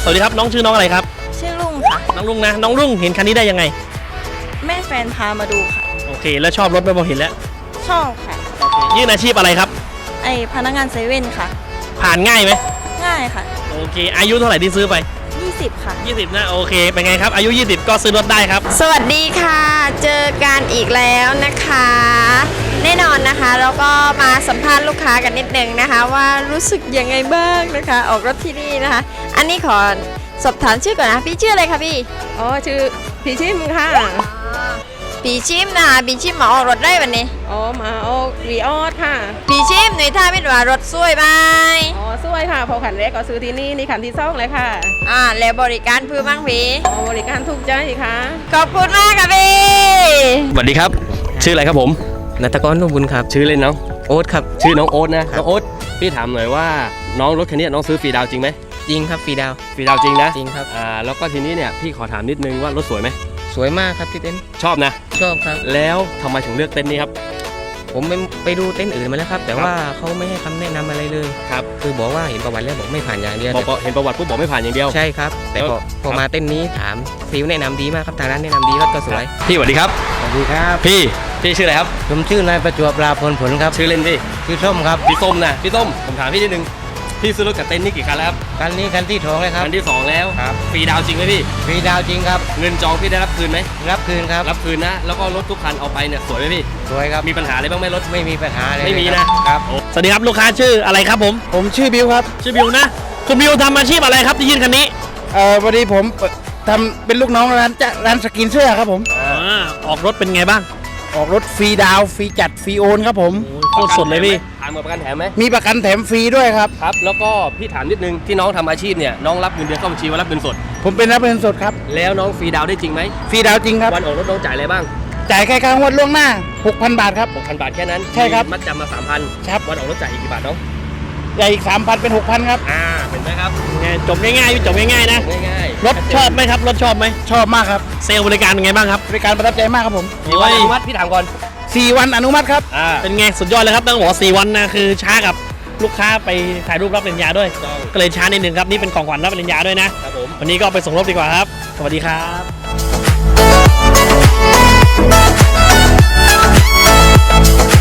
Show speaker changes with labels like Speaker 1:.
Speaker 1: สวัสดีครับน้องชื่อน้องอะไรครับ
Speaker 2: ชื่อลุงค่ะ
Speaker 1: น้องลุงนะน้องลุงเห็นคันนี้ได้ยังไง
Speaker 2: แม่แฟนพามาดูค่ะ
Speaker 1: โอเคแล้วชอบรถไหมพอเห็นแล้ว
Speaker 2: ชอบค่ะ
Speaker 1: ยื่นอาชีพอะไรครับ
Speaker 2: พนักงานเซเว่นค่ะ
Speaker 1: ผ่านง่ายไหม
Speaker 2: ง่ายค่ะ
Speaker 1: โอเคอายุเท่าไหร่ที่ซื้อไป
Speaker 2: 20ค่ะ
Speaker 1: 20นะโอเคเป็นไงครับอายุ20ก็ซื้อรถได้ครับ
Speaker 3: สวัสดีค่ะเจอกันอีกแล้วนะคะแน่นอนนะคะแล้วก็มาสัมภาษณ์ลูกค้ากันนิดนึงนะคะว่ารู้สึกยังไงบ้างนะคะออกรถที่นี่นะคะอันนี้ขอสอบถามชื่อก่อนนะพี่ชื่ออะไรคะพี่
Speaker 2: ชื่อพี่ชิมค่ะ
Speaker 3: พี่ชิมนะคะพี่ชิมมาออกรถได้วันนี้
Speaker 2: มาออกวีออสค่ะ
Speaker 3: พี่ชิมหน่วยท่าพิจารณารถสวยไหม
Speaker 2: สวยค่ะพอขันแรกก็ซื้อที่นี่ขันที่สองเลยค่ะ
Speaker 3: แล้วบริการพื้นบ้างพี่
Speaker 2: บริการถูกใจค่ะ
Speaker 3: ขอบคุณมากค่ะพี่
Speaker 1: สวัสดีครับชื่ออะไรครับผม
Speaker 4: นัตกรนุ่มบุญครับ
Speaker 1: ชื่อเล่นน้อง
Speaker 4: โอ๊ตครับ
Speaker 1: ชื่อน้องโอ๊ตนะน้องโอ๊ตพี่ถามหน่อยว่าน้องรถคันนี้น้องซื้อฟรีดาวจริงไหม
Speaker 4: จริงครับฟรีดาว
Speaker 1: จริงนะ
Speaker 4: จริงครับ
Speaker 1: แล้วก็ทีนี้เนี่ยพี่ขอถามนิดนึงว่ารถสวยไหม
Speaker 4: สวยมากครับที่เต็นท์
Speaker 1: ชอบนะ
Speaker 4: ชอบครับ
Speaker 1: แล้วทำไมถึงเลือกเต็นท์นี้ครับ
Speaker 4: ผมไปดูเต็นท์อื่นมาแล้วครับแต่ว่าเขาไม่ให้คำแนะนำอะไรเลย
Speaker 1: ครับ
Speaker 4: คือบอกว่าเห็นประวัติแล้วบอกไม่ผ่านอย่างเดียว
Speaker 1: บอกเห็นประวัติปุ๊บบอกไม่ผ่านอย่างเดียว
Speaker 4: ใช่ครับแต่พอมาเต็นท์นี้ถามฟิวแนะนำดีมากครับทางร้านแนะนำดีรถก็สวย
Speaker 1: พี่สวัสดีครับ
Speaker 4: สวัสดีครับ
Speaker 1: พี่ชื่ออะไรครับ
Speaker 4: ผมชื่อนายประจวบราพลผลครับ
Speaker 1: ชื่อเล่นพี่
Speaker 4: ชื่อส้มครับ
Speaker 1: พี่ส้มนะพี่ส้มผมถามพี่นิดนึงพี่ซื้อรถกับเต็นท์นี่กี่คันแล้วครับ
Speaker 4: คันนี้คันที่2เลยครับ
Speaker 1: คันที่2แล้ว
Speaker 4: ครับ
Speaker 1: ฟรีดาวจริงไหมพี่
Speaker 4: ฟรีดาวจริงครับ
Speaker 1: เงินจองพี่ได้รับคืนไหม
Speaker 4: รับคืนครับ
Speaker 1: รับคืนนะแล้วก็รถทุกคันเอาไปเนี่ยสวยไหมพี่
Speaker 4: สวยครับ
Speaker 1: มีปัญหาอะไรบ้างไหมรถ
Speaker 4: ไม่มีปัญหาเลย
Speaker 1: ไม่มีนะครับสวัสดีครับลูกค้าชื่ออะไรครับผม
Speaker 5: ชื่อบิวครับ
Speaker 1: ชื่อบิวนะคุณบิวทำอาชีพอะไรครับที่ยื่นคันนี้
Speaker 5: พอดีผมทำเป็นลูกน้องร้านสกินเสื้อครับผม
Speaker 1: ออกรถเป็นไงบ้าง
Speaker 5: ออกรถฟรีดาวฟรีจัดฟรีโอนครับผม
Speaker 1: โคตรสดเลยพี่ถามประกันแถมไหม
Speaker 5: มีประกันแถมฟรีด้วยครับ
Speaker 1: ครับแล้วก็พี่ถามนิดนึงที่น้องทำอาชีพเนี่ยน้องรับเงินเดือนเข้าบัญชีว่ารับเงินสด
Speaker 5: ผมเป็นรับเงินสดครับ
Speaker 1: แล้วน้องฟรีดาวได้จริงไหม
Speaker 5: ฟรีดาวจริงครับ
Speaker 1: วันออกรถน้องจ่ายอะไรบ้าง
Speaker 5: จ่ายแค่ค่างวดล่วงหน้า 6,000 บาทครับ
Speaker 1: 6,000 บาทแค่นั้น
Speaker 5: ใช่ครับ
Speaker 1: มัดจำมา 3,000
Speaker 5: ครับ
Speaker 1: วันออกรถจ่ายอีกกี่บาทน้อง
Speaker 5: จ่ายอีก 3,000 เป็น 6,000 ครับ
Speaker 1: เป็นไหมครับจบง่ายๆจบง่ายๆนะ
Speaker 5: ง่าย
Speaker 1: รถชอบไหมครับรถชอบไหม
Speaker 5: ชอบมากครับ
Speaker 1: เซลล์บริการเป็นไงบ้างครับ
Speaker 5: บริการประทับใจมากครับผม
Speaker 1: กี่วันอนุมัติพี่ถามก่อน
Speaker 5: 4 วันอนุมัติครับ
Speaker 1: เป็นไงสุดยอดเลยครับต้องบอก4 วันนะคือช้ากับลูกค้าไปถ่ายรูปรับปริญญาด้วยก็เลยช้านิดนึงครับนี่เป็นของขวัญรับปริญญาด้วยนะครับผมวันนี้ก็ไปส่งรถดีกว่าครับสวัสดีครับ